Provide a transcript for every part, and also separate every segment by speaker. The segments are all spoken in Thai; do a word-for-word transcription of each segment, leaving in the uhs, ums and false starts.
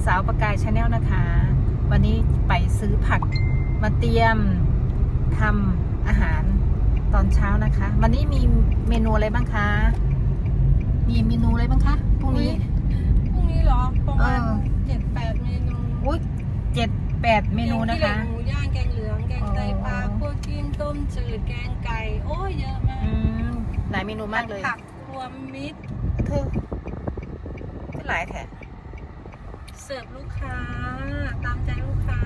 Speaker 1: าวประกายชาแนลนะคะ วันนี้ไปซื้อผักมาเตรียมทำอาหารตอนเช้านะคะวันนี้มีเมนูอะไรบ้างคะมีเมนูอะไรบ้างคะพรุ่งนี้
Speaker 2: พรุ่งนี้เหรอประมาณเจ็ดแปดเมนู
Speaker 1: อุ้ยเจ็ดแปดเมนูนะคะ
Speaker 2: แกงขี้เหล็กหมูย่างแกงเหลืองแกงไตปลาคั่วกิ้งต้มจืดแกงไก่โอ้ยเยอะมาก
Speaker 1: หลายเมนูมากเลย
Speaker 2: ผักรวมมิตร
Speaker 1: เธอเป็นหลายแถบ
Speaker 2: เสิร์ฟลูกค้าตามใจลูกค้า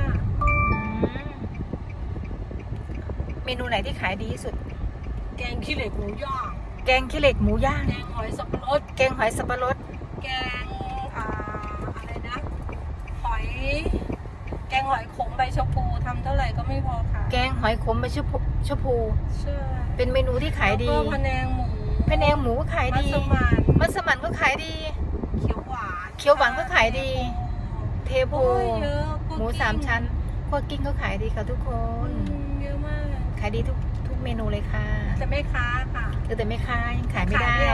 Speaker 1: เมนูไหนที่ขายดีที่สุด
Speaker 2: แกงขี้เหล็กหมูย่าง
Speaker 1: แกงขี้เหล็กหมูย่าง
Speaker 2: แกงหอยสับปะรด
Speaker 1: แกงหอยสับปะรด
Speaker 2: แกงอ่าอะไรนะหอยแกงหอยขมใบชะพูทำเท่าไหร่ก็ไม่พอค่ะ
Speaker 1: แกงหอยขมใบชะพูชะพู
Speaker 2: ใช่
Speaker 1: เป็นเมนูที่ขายดี
Speaker 2: แล้วก็พะแนงหมู
Speaker 1: พะแนงหมูก็ขายดี
Speaker 2: มัสมั่น
Speaker 1: มัสมั่นก็ขายดี
Speaker 2: เขียวหวาน
Speaker 1: เขียวหวานก็ขายดีเทโพหมูสามชั้นคั่วกิ้งก็ขายดีค่ะทุกคน
Speaker 2: เยอะมาก
Speaker 1: ขายดีทุกทุกเมนูเลยค่ะ
Speaker 2: แต่ไม่ค้าค่ะ
Speaker 1: แต่ไม่ค้ายังขายไม่ได้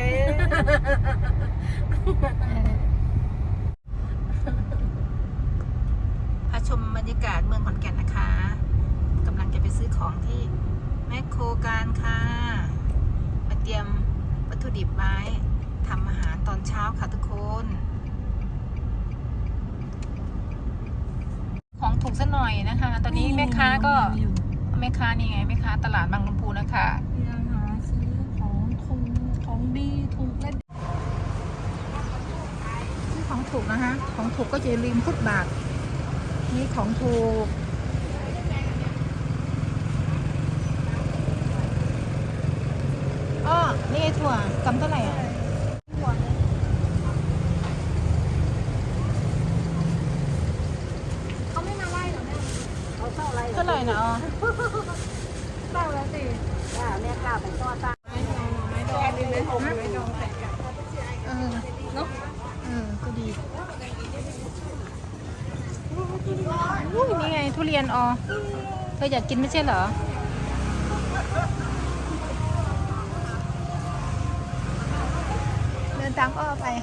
Speaker 1: พาชมบรรยากาศเมืองขอนแก่นนะคะกำลังจะไปซื้อของที่แมคโครการค่ะมาเตรียมวัตถุดิบไว้ทำอาหารตอนเช้าค่ะทุกคนของถูกซะหน่อยนะคะตอนนี้แม่ค้าก็แม่ค้านี่ไงแม่ค้าตลาดบางลำพูนะคะ
Speaker 2: ยังหาซื้อของถูกของดีถูกและ
Speaker 1: ซื้อของถูกนะคะของถูกก็จะริมฟุตบาทนี่ของถูกอ้อนี่ไงถั่วกำเท่าไหร่อ่ะ
Speaker 2: เขาไม่มาไล่หรอแม่เขาเท่าไร
Speaker 1: เท่าไหร่นะอ๋อ
Speaker 2: เท่าแล้วสิว่าแม่กล้าเป็นตัวตาไม้ดองไม้ดองดีไหมไม้ดองใส่กัน
Speaker 1: เออเนาะเออก็ดีอุ้ยนี่ไงทุเรียนอ๋อเธออยากกินไม่ใช่เหรอเดินตามอ้อไป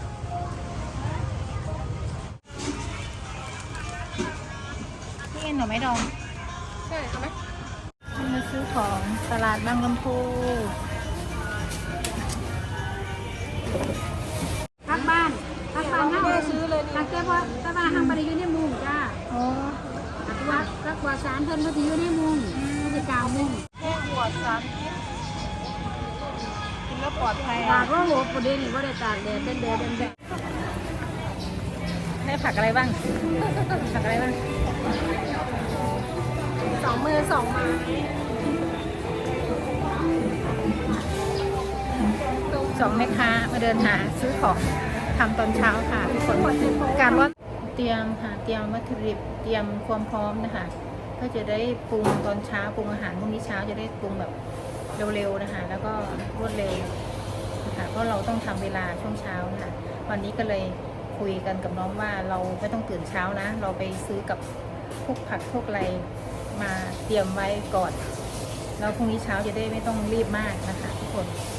Speaker 1: นี่ไงหน่อไม้ดอง
Speaker 2: ใช่ไหม
Speaker 1: มาซื้อของตลาดบางลำพู
Speaker 3: ทักบ้านทักบ้านห้างซื้อเลยทักแค่ว่าถ้าบ้านห้างบริยูในมุงจ้า
Speaker 1: โอ้
Speaker 3: ทักว่าทักว่าสารเพิ่นเขาที่อยู่ในมุงเขาจะกาวมุง
Speaker 1: แค่หัวสารกินแล้วปลอดภัย
Speaker 3: ตากว่าหัวประเดี๋ยวนี้ว่าได้ตากแดดเป็นแดดเป็นแดด
Speaker 1: ได้ผักอะไรบ้างผักอะไรบ้าง
Speaker 2: สองมือสองไม้
Speaker 1: สองแม่ค้ามาเดินหาซื้อของทำตอนเช้าค่ะทุกคนการว่าเตรียมค่ะเตรียมวัตถุดิบเตรียมความพร้อมนะคะเพื่อจะได้ปรุงตอนเช้าปรุงอาหารพรุ่งนี้เช้าจะได้ปรุงแบบเร็วๆนะคะแล้วก็รวดเร็วนะคะเพราะเราต้องทำเวลาช่วงเช้านะคะวันนี้ก็เลยคุยกันกับน้องว่าเราไม่ต้องตื่นเช้านะเราไปซื้อกับพวกผักพวกอะไรมาเตรียมไว้ก่อนแล้วพรุ่งนี้เช้าจะได้ไม่ต้องรีบมากนะคะทุกคน